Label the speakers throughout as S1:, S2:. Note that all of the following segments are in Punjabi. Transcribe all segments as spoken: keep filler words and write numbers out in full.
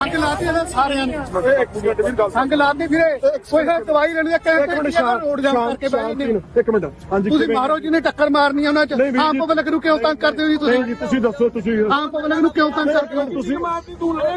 S1: ਸੰਗ ਲਾਤੀ ਇਹਨਾਂ ਸਾਰਿਆਂ ਨੇ ਸੰਗ ਲਾਤੀ ਵੀਰੇ ਕੋਈ ਨਾ ਦਵਾਈ ਲੈਣੀ ਹੈ ਕਹਿੰਦੇ ਰੋਡ ਜਾਮ ਕਰਕੇ ਬੈਠੇ ਨੇ
S2: ਇੱਕ ਮਿੰਟ ਹਾਂਜੀ
S1: ਤੁਸੀਂ ਮਾਰੋ ਜਿਹਨੇ ਟੱਕਰ ਮਾਰਨੀ ਉਹਨਾਂ ਚ ਆਮ ਪਬਲਿਕ ਨੂੰ ਕਿਉਂ ਤੰਗ ਕਰਦੇ ਹੋ ਜੀ ਤੁਸੀਂ
S2: ਜੀ ਤੁਸੀਂ ਦੱਸੋ ਤੁਸੀਂ
S1: ਆਮ ਪਬਲਿਕ ਨੂੰ ਕਿਉਂ ਤੰਗ ਕਰਦੇ ਹੋ
S2: ਤੁਸੀਂ ਮਾਰਦੀ ਤੂੰ ਲੈ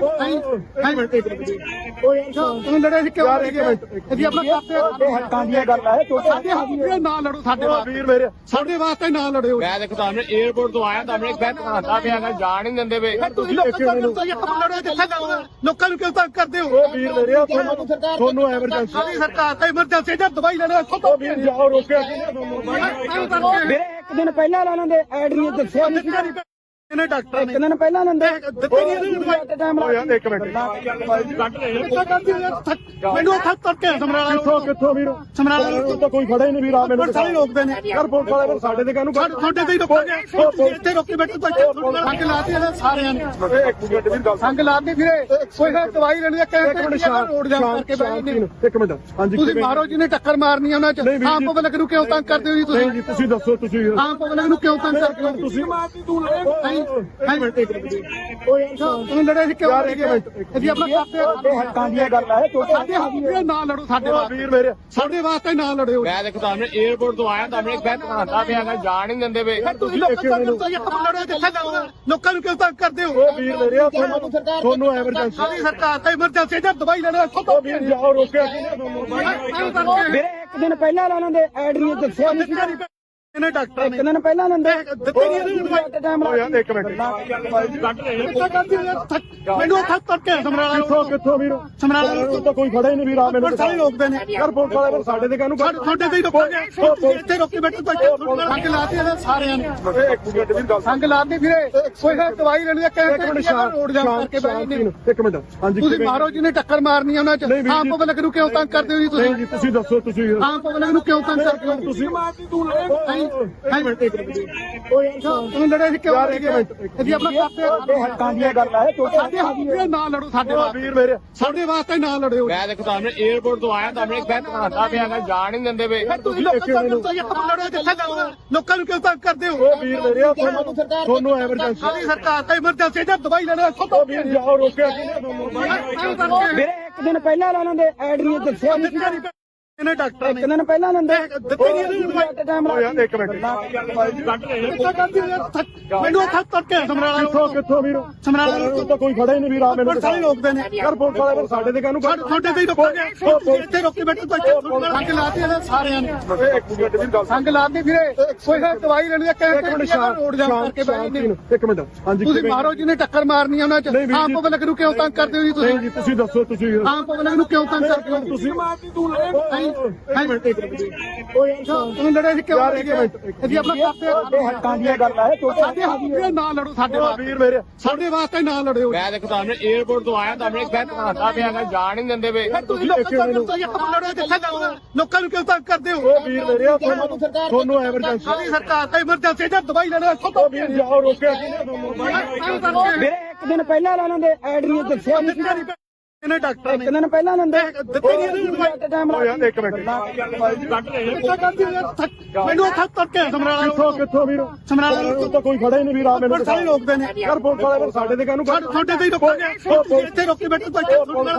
S1: ਤੂੰ ਲੜੇ ਸੀ ਕਿਉਂ ਜੀ ਆਪਣਾ ਕਰਦੇ
S2: ਹੱਕਾਂ ਦੀਆਂ ਗੱਲਾਂ ਹੈ
S1: ਸਾਡੇ ਹੱਕ ਨਾ ਲੜੋ ਸਾਡੇ ਵਾਸਤੇ
S2: ਵੀਰ ਮੇਰੇ
S1: ਸਾਡੇ ਵਾਸਤੇ ਨਾ ਲੜਿਓ
S3: ਮੈਂ ਦੇਖੋ ਤੁਹਾਨੂੰ 에어ਪੋਰਟ ਤੋਂ ਆਇਆ ਤੁਹਾਨੂੰ ਇੱਕ ਬੈਠ ਖਾਂਦਾ ਪਿਆ ਹੈਗਾ ਜਾਣ ਹੀ ਨਹੀਂ ਦਿੰਦੇ ਵੇ
S1: ਤੁਸੀਂ ਲੋਕਾਂ ਨੂੰ ਲੜੋ ਜਿੱਥੇ ਜਾਓ ਲੋਕਾਂ ਨੂੰ ਕਿਉਂ ਤੰਗ ਕਰਦੇ ਹੋ
S2: ਉਹ ਵੀਰ ਮੇਰੇ ਤੁਹਾਨੂੰ ਤੁਹਾਨੂੰ ਐਮਰਜੈਂਸੀ
S1: ਸਾਡੀ ਸਰਕਾਰ ਤਾਂ ਐਮਰਜੈਂਸੀ ਜਦ ਦਵਾਈ ਲੈਣਾ ਇੱਥੋਂ ਤੋਂ
S2: ਵੀਰ ਜਾਓ ਰੋਕਿਆ ਕਿਹਨੇ ਤੁਹਾਨੂੰ
S4: ਵੀਰੇ ਇੱਕ ਦਿਨ ਪਹਿਲਾਂ ਲਾਣਾ ਦੇ ਐਡ ਨਹੀਂ ਦੱਸਿਆ ਨਹੀਂ
S1: ਇਹਨੇ ਡਾਕਟਰ ਨੇ
S4: ਇੱਕ ਦਿਨ ਪਹਿਲਾਂ ਲੰਦੇ
S1: ਦਿੱਤੇ ਨਹੀਂ ਇਹਨੂੰ ਦਵਾਈ
S4: ਟਾਈਮ
S2: ਓ ਯਾਰ ਇੱਕ ਮਿੰਟ
S1: ਮੈਨੂੰ ਥੱਕ ਤੱਕ ਕੇ ਸਮਰਾਲਾ
S2: ਕਿੱਥੋਂ ਕਿੱਥੋਂ ਵੀਰ
S1: ਸਮਰਾਲਾ
S2: ਉਹ ਤਾਂ ਕੋਈ ਖੜਾ ਹੀ ਨਹੀਂ ਵੀਰ ਆ ਮੈਨੂੰ
S1: ਸਾਰੇ ਰੋਕਦੇ ਨੇ
S2: ਯਾਰ ਪੁਲਿਸ ਵਾਲੇ ਫਿਰ ਸਾਡੇ ਤੇ ਕਾਹਨੂੰ
S1: ਤੁਹਾਡੇ ਤੇ ਹੀ ਰੋਕੋਗੇ ਇੱਥੇ ਰੋਕੀ ਬੈਠੇ ਤਾਂ ਸੰਗ ਲਾਤੀ ਇਹਨਾਂ ਸਾਰਿਆਂ ਨੇ
S2: ਇੱਕ ਮਿੰਟ ਵੀਰ ਗੱਲ
S1: ਸੰਗ ਲਾਤੀ ਵੀਰੇ ਕੋਈ ਨਾ ਦਵਾਈ ਲੈਣੀ ਹੈ ਕਹਿੰਦੇ ਰੋਡ ਜਾਮ ਕਰਕੇ ਬੈਠੇ ਨੇ
S2: ਇੱਕ ਮਿੰਟ ਹਾਂਜੀ
S1: ਤੁਸੀਂ ਮਾਰੋ ਜਿਹਨੇ ਟੱਕਰ ਮਾਰਨੀ ਉਹਨਾਂ ਚ ਆਮ ਪਬਲਿਕ ਨੂੰ ਕਿਉਂ ਤੰਗ ਕਰਦੇ ਹੋ ਜੀ ਤੁਸੀਂ
S2: ਜੀ ਤੁਸੀਂ ਦੱਸੋ ਤੁਸੀਂ
S1: ਆਮ ਪਬਲਿਕ ਨੂੰ ਕਿਉਂ ਤੰਗ ਕਰਦੇ ਹੋ
S2: ਤੁਸੀਂ ਮਾਰਦੀ ਤੂੰ ਲੈ
S1: ਤੂੰ ਲੜੇ ਸੀ ਕਿਉਂ ਜੀ ਆਪਣਾ ਕਰਦੇ
S4: ਹੱਕਾਂ ਦੀਆਂ ਗੱਲਾਂ ਹੈ
S1: ਸਾਡੇ ਹੱਕ ਨਾ ਲੜੋ ਸਾਡੇ ਵਾਸਤੇ
S2: ਵੀਰ ਮੇਰੇ
S1: ਸਾਡੇ ਵਾਸਤੇ ਨਾ ਲੜਿਓ
S3: ਮੈਂ ਦੇਖੋ ਤੁਹਾਨੂੰ 에어ਪੋਰਟ ਤੋਂ ਆਇਆ ਤੁਹਾਨੂੰ ਇੱਕ ਬੈਠ ਖਾਂਦਾ ਪਿਆ ਹੈਗਾ ਜਾਣ ਹੀ ਨਹੀਂ ਦਿੰਦੇ ਵੇ
S1: ਤੁਸੀਂ ਲੋਕਾਂ ਨੂੰ ਲੜੋ ਜਿੱਥੇ ਜਾਓ ਲੋਕਾਂ ਨੂੰ ਕਿਉਂ ਤੰਗ ਕਰਦੇ ਹੋ
S2: ਉਹ ਵੀਰ ਮੇਰੇ ਤੁਹਾਨੂੰ ਤੁਹਾਨੂੰ ਐਮਰਜੈਂਸੀ
S1: ਸਾਡੀ ਸਰਕਾਰ ਤਾਂ ਐਮਰਜੈਂਸੀ ਜਦ ਦਵਾਈ ਲੈਣਾ ਇੱਥੋਂ ਤੋਂ
S2: ਵੀਰ ਜਾਓ ਰੋਕਿਆ ਕਿਹਨੇ ਤੁਹਾਨੂੰ
S4: ਵੀਰੇ ਇੱਕ ਦਿਨ ਪਹਿਲਾਂ ਲਾਣਾ ਦੇ ਐਡ ਨਹੀਂ ਦੱਸਿਆ ਨਹੀਂ
S1: ਇਹਨੇ ਡਾਕਟਰ ਨੇ
S4: ਇੱਕ ਦਿਨ ਪਹਿਲਾਂ ਲੰਦੇ
S1: ਦਿੱਤੇ ਨਹੀਂ ਇਹਨੂੰ ਦਵਾਈ
S4: ਟਾਈਮ
S2: ਓ ਯਾਰ ਇੱਕ ਮਿੰਟ
S1: ਮੈਨੂੰ ਥੱਕ ਤੱਕ ਕੇ ਸਮਰਾਲਾ
S2: ਕਿੱਥੋਂ ਕਿੱਥੋਂ ਵੀਰ
S1: ਸਮਰਾਲਾ
S2: ਉਹ ਤਾਂ ਕੋਈ ਖੜਾ ਹੀ ਨਹੀਂ ਵੀਰ ਆ ਮੈਨੂੰ
S1: ਸਾਰੇ ਰੋਕਦੇ ਨੇ
S2: ਯਾਰ ਪੁਲਿਸ ਵਾਲੇ ਫਿਰ ਸਾਡੇ ਤੇ ਕਾਹਨੂੰ
S1: ਤੁਹਾਡੇ ਤੇ ਹੀ ਰੋਕੋਗੇ ਇੱਥੇ ਰੋਕੀ ਬੈਠੇ ਤਾਂ ਸੰਗ ਲਾਤੀ ਇਹਨਾਂ ਸਾਰਿਆਂ ਨੇ
S2: ਇੱਕ ਮਿੰਟ ਵੀਰ ਗੱਲ
S1: ਸੰਗ ਲਾਤੀ ਵੀਰੇ ਕੋਈ ਨਾ ਦਵਾਈ ਲੈਣੀ ਹੈ ਕਹਿੰਦੇ ਰੋਡ ਜਾਮ ਕਰਕੇ ਬੈਠੇ ਨੇ
S2: ਇੱਕ ਮਿੰਟ ਹਾਂਜੀ
S1: ਤੁਸੀਂ ਮਾਰੋ ਜਿਹਨੇ ਟੱਕਰ ਮਾਰਨੀ ਉਹਨਾਂ ਚ ਆਮ ਪਬਲਿਕ ਨੂੰ ਕਿਉਂ ਤੰਗ ਕਰਦੇ ਹੋ ਜੀ ਤੁਸੀਂ
S2: ਜੀ ਤੁਸੀਂ ਦੱਸੋ ਤੁਸੀਂ
S1: ਆਮ ਪਬਲਿਕ ਨੂੰ ਕਿਉਂ ਤੰਗ ਕਰਦੇ ਹੋ
S2: ਤੁਸੀਂ ਮਾਰਦੀ ਤੂੰ ਲੈ
S1: ਤੂੰ ਲੜੇ ਸੀ ਕਿਉਂ ਜੀ ਆਪਣਾ ਕਰਦੇ
S4: ਹੱਕਾਂ ਦੀਆਂ ਗੱਲਾਂ ਹੈ
S1: ਸਾਡੇ ਹੱਕ ਨਾ ਲੜੋ ਸਾਡੇ ਵਾਸਤੇ
S2: ਵੀਰ ਮੇਰੇ
S1: ਸਾਡੇ ਵਾਸਤੇ ਨਾ ਲੜਿਓ
S3: ਮੈਂ ਦੇਖੋ ਤੁਹਾਨੂੰ 에어ਪੋਰਟ ਤੋਂ ਆਇਆ ਤੁਹਾਨੂੰ ਇੱਕ ਬੈਠ ਖਾਂਦਾ ਪਿਆ ਹੈਗਾ ਜਾਣ ਹੀ ਨਹੀਂ ਦਿੰਦੇ ਵੇ
S1: ਤੁਸੀਂ ਲੋਕਾਂ ਨੂੰ ਲੜੋ ਜਿੱਥੇ ਜਾਓ ਲੋਕਾਂ ਨੂੰ ਕਿਉਂ ਤੰਗ ਕਰਦੇ ਹੋ
S2: ਉਹ ਵੀਰ ਮੇਰੇ ਤੁਹਾਨੂੰ ਤੁਹਾਨੂੰ ਐਮਰਜੈਂਸੀ
S1: ਸਾਡੀ ਸਰਕਾਰ ਤਾਂ ਐਮਰਜੈਂਸੀ ਜਦ ਦਵਾਈ ਲੈਣਾ ਇੱਥੋਂ ਤੋਂ
S2: ਵੀਰ ਜਾਓ ਰੋਕਿਆ ਕਿਹਨੇ ਤੁਹਾਨੂੰ
S4: ਵੀਰੇ ਇੱਕ ਦਿਨ ਪਹਿਲਾਂ ਲਾਣਾ ਦੇ ਐਡ ਨਹੀਂ ਦੱਸਿਆ ਨਹੀਂ
S1: ਇਹਨੇ ਡਾਕਟਰ ਨੇ
S4: ਇੱਕ ਦਿਨ ਪਹਿਲਾਂ ਲੰਦੇ
S1: ਦਿੱਤੇ ਨਹੀਂ ਇਹਨੂੰ ਦਵਾਈ
S4: ਟਾਈਮ
S2: ਓ ਯਾਰ ਇੱਕ ਮਿੰਟ
S1: ਮੈਨੂੰ ਥੱਕ ਤੱਕ ਕੇ ਸਮਰਾਲਾ
S2: ਕਿੱਥੋਂ ਕਿੱਥੋਂ ਵੀਰ
S1: ਸਮਰਾਲਾ
S2: ਉਹ ਤਾਂ ਕੋਈ ਖੜਾ ਹੀ ਨਹੀਂ ਵੀਰ ਆ ਮੈਨੂੰ
S1: ਸਾਰੇ ਰੋਕਦੇ ਨੇ
S2: ਯਾਰ ਪੁਲਿਸ ਵਾਲੇ ਫਿਰ ਸਾਡੇ ਤੇ ਕਾਹਨੂੰ
S1: ਤੁਹਾਡੇ ਤੇ ਹੀ ਰੋਕੋਗੇ ਇੱਥੇ ਰੋਕੀ ਬੈਠੇ ਤਾਂ ਸੰਗ ਲਾਤੀ ਇਹਨਾਂ ਸਾਰਿਆਂ ਨੇ
S2: ਇੱਕ ਮਿੰਟ ਵੀਰ ਗੱਲ
S1: ਸੰਗ ਲਾਤੀ ਵੀਰੇ ਕੋਈ ਨਾ ਦਵਾਈ ਲੈਣੀ ਹੈ ਕਹਿੰਦੇ ਰੋਡ ਜਾਮ ਕਰਕੇ ਬੈਠੇ ਨੇ
S2: ਇੱਕ ਮਿੰਟ ਹਾਂਜੀ
S1: ਤੁਸੀਂ ਮਾਰੋ ਜਿਹਨੇ ਟੱਕਰ ਮਾਰਨੀ ਉਹਨਾਂ ਚ ਆਮ ਪਬਲਿਕ ਨੂੰ ਕਿਉਂ ਤੰਗ ਕਰਦੇ ਹੋ ਜੀ ਤੁਸੀਂ
S2: ਜੀ ਤੁਸੀਂ ਦੱਸੋ ਤੁਸੀਂ
S1: ਆਮ ਪਬਲਿਕ ਨੂੰ ਕਿਉਂ ਤੰਗ ਕਰਦੇ ਹੋ
S2: ਤੁਸੀਂ ਮਾਰਦੀ ਤੂੰ ਲੈ
S1: ਤੂੰ ਲੜੇ ਸੀ ਕਿਉਂ ਜੀ ਆਪਣਾ ਕਰਦੇ
S4: ਹੱਕਾਂ ਦੀਆਂ ਗੱਲਾਂ ਹੈ
S1: ਸਾਡੇ ਹੱਕ ਨਾ ਲੜੋ ਸਾਡੇ ਵਾਸਤੇ
S2: ਵੀਰ ਮੇਰੇ
S1: ਸਾਡੇ ਵਾਸਤੇ ਨਾ ਲੜਿਓ
S3: ਮੈਂ ਦੇਖੋ ਤੁਹਾਨੂੰ 에어ਪੋਰਟ ਤੋਂ ਆਇਆ ਤੁਹਾਨੂੰ ਇੱਕ ਬੈਠ ਖਾਂਦਾ ਪਿਆ ਹੈਗਾ ਜਾਣ ਹੀ ਨਹੀਂ ਦਿੰਦੇ ਵੇ
S1: ਤੁਸੀਂ ਲੋਕਾਂ ਨੂੰ ਲੜੋ ਜਿੱਥੇ ਜਾਓ ਲੋਕਾਂ ਨੂੰ ਕਿਉਂ ਤੰਗ ਕਰਦੇ ਹੋ
S2: ਉਹ ਵੀਰ ਮੇਰੇ ਤੁਹਾਨੂੰ ਤੁਹਾਨੂੰ ਐਮਰਜੈਂਸੀ
S1: ਸਾਡੀ ਸਰਕਾਰ ਤਾਂ ਐਮਰਜੈਂਸੀ ਜਦ ਦਵਾਈ ਲੈਣਾ ਇੱਥੋਂ ਤੋਂ
S2: ਵੀਰ ਜਾਓ ਰੋਕਿਆ ਕਿਹਨੇ ਤੁਹਾਨੂੰ
S4: ਵੀਰੇ ਇੱਕ ਦਿਨ ਪਹਿਲਾਂ ਲਾਣਾ ਦੇ ਐਡ ਨਹੀਂ ਦੱਸਿਆ ਨਹੀਂ
S1: ਇਹਨੇ ਡਾਕਟਰ ਨੇ
S4: ਇੱਕ ਦਿਨ ਪਹਿਲਾਂ ਲੰਦੇ
S1: ਦਿੱਤੇ ਨਹੀਂ ਇਹਨੂੰ ਦਵਾਈ
S4: ਟਾਈਮ
S2: ਓ ਯਾਰ ਇੱਕ ਮਿੰਟ
S1: ਮੈਨੂੰ ਥੱਕ ਤੱਕ ਕੇ ਸਮਰਾਲਾ
S2: ਕਿੱਥੋਂ ਕਿੱਥੋਂ ਵੀਰ
S1: ਸਮਰਾਲਾ
S2: ਉਹ ਤਾਂ ਕੋਈ ਖੜਾ ਹੀ ਨਹੀਂ ਵੀਰ ਆ ਮੈਨੂੰ
S1: ਸਾਰੇ ਰੋਕਦੇ ਨੇ
S2: ਯਾਰ ਪੁਲਿਸ ਵਾਲੇ ਫਿਰ ਸਾਡੇ ਤੇ ਕਾਹਨੂੰ
S1: ਤੁਹਾਡੇ ਤੇ ਹੀ ਰੋਕੋਗੇ ਇੱਥੇ ਰੋਕੀ ਬੈਠੇ ਤਾਂ